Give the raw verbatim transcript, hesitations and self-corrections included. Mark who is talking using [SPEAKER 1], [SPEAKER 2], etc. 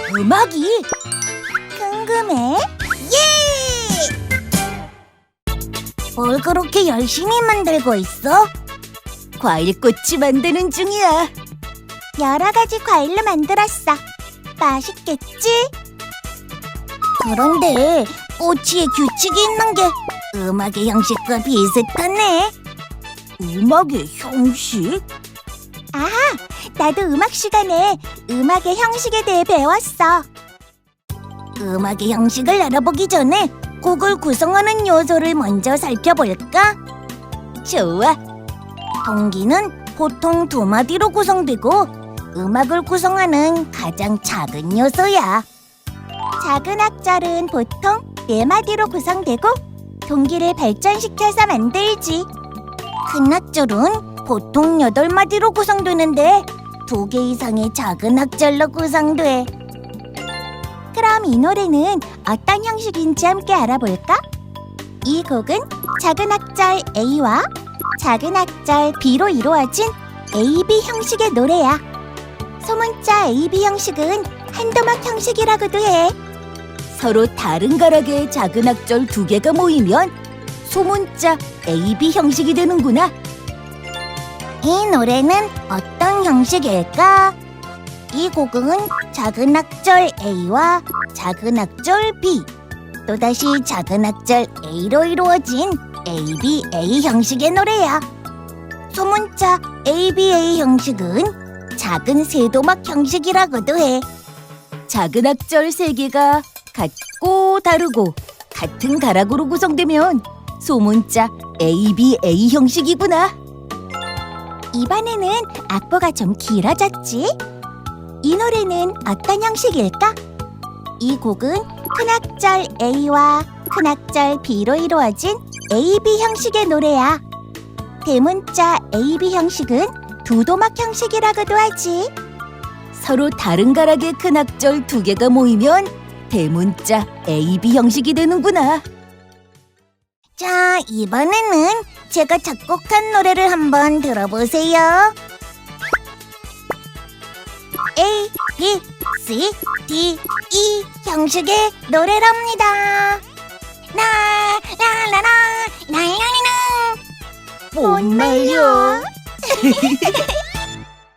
[SPEAKER 1] 음악이? 궁금해? 예! 뭘 그렇게 열심히 만들고 있어? 과일꼬치 만드는 중이야. 여러 가지 과일로 만들었어. 맛있겠지? 그런데 꼬치에 규칙이 있는 게 음악의 형식과 비슷하네. 음악의 형식? 아, 나도 음악 시간에 음악의 형식에 대해 배웠어. 음악의 형식을 알아보기 전에 곡을 구성하는 요소를 먼저 살펴볼까? 좋아. 동기는 보통 두 마디로 구성되고 음악을 구성하는 가장 작은 요소야. 작은 악절은 보통 네 마디로 구성되고 동기를 발전시켜서 만들지. 큰 악절은 보통 여덟 마디로 구성되는데 두 개 이상의 작은 악절로 구성돼. 그럼 이 노래는 어떤 형식인지 함께 알아볼까? 이 곡은 작은 악절 A와 작은 악절 B로 이루어진 에이비 형식의 노래야. 소문자 에이비 형식은 한도막 형식이라고도 해. 서로 다른 가락의 작은 악절 두 개가 모이면 소문자 에이비 형식이 되는구나. 이 노래는 어떤 형식일까? 이 곡은 작은 악절 A와 작은 악절 B, 또다시 작은 악절 A로 이루어진 에이비에이 형식의 노래야. 소문자 에이비에이 형식은 작은 세도막 형식이라고도 해. 작은 악절 세 개가 같고 다르고 같은 가락으로 구성되면 소문자 에이비에이 형식이구나. 이번에는 악보가 좀 길어졌지? 이 노래는 어떤 형식일까? 이 곡은 큰 악절 A와 큰 악절 B로 이루어진 에이비 형식의 노래야. 대문자 에이비 형식은 두도막 형식이라고도 하지. 서로 다른 가락의 큰 악절 두 개가 모이면 대문자 에이비 형식이 되는구나. 자, 이번에는 제가 작곡한 노래를 한번 들어보세요. A, B, C, D, E 형식의 노래랍니다. 나, 라, 라, 라, 라, 라, 라, 라. 못 말려.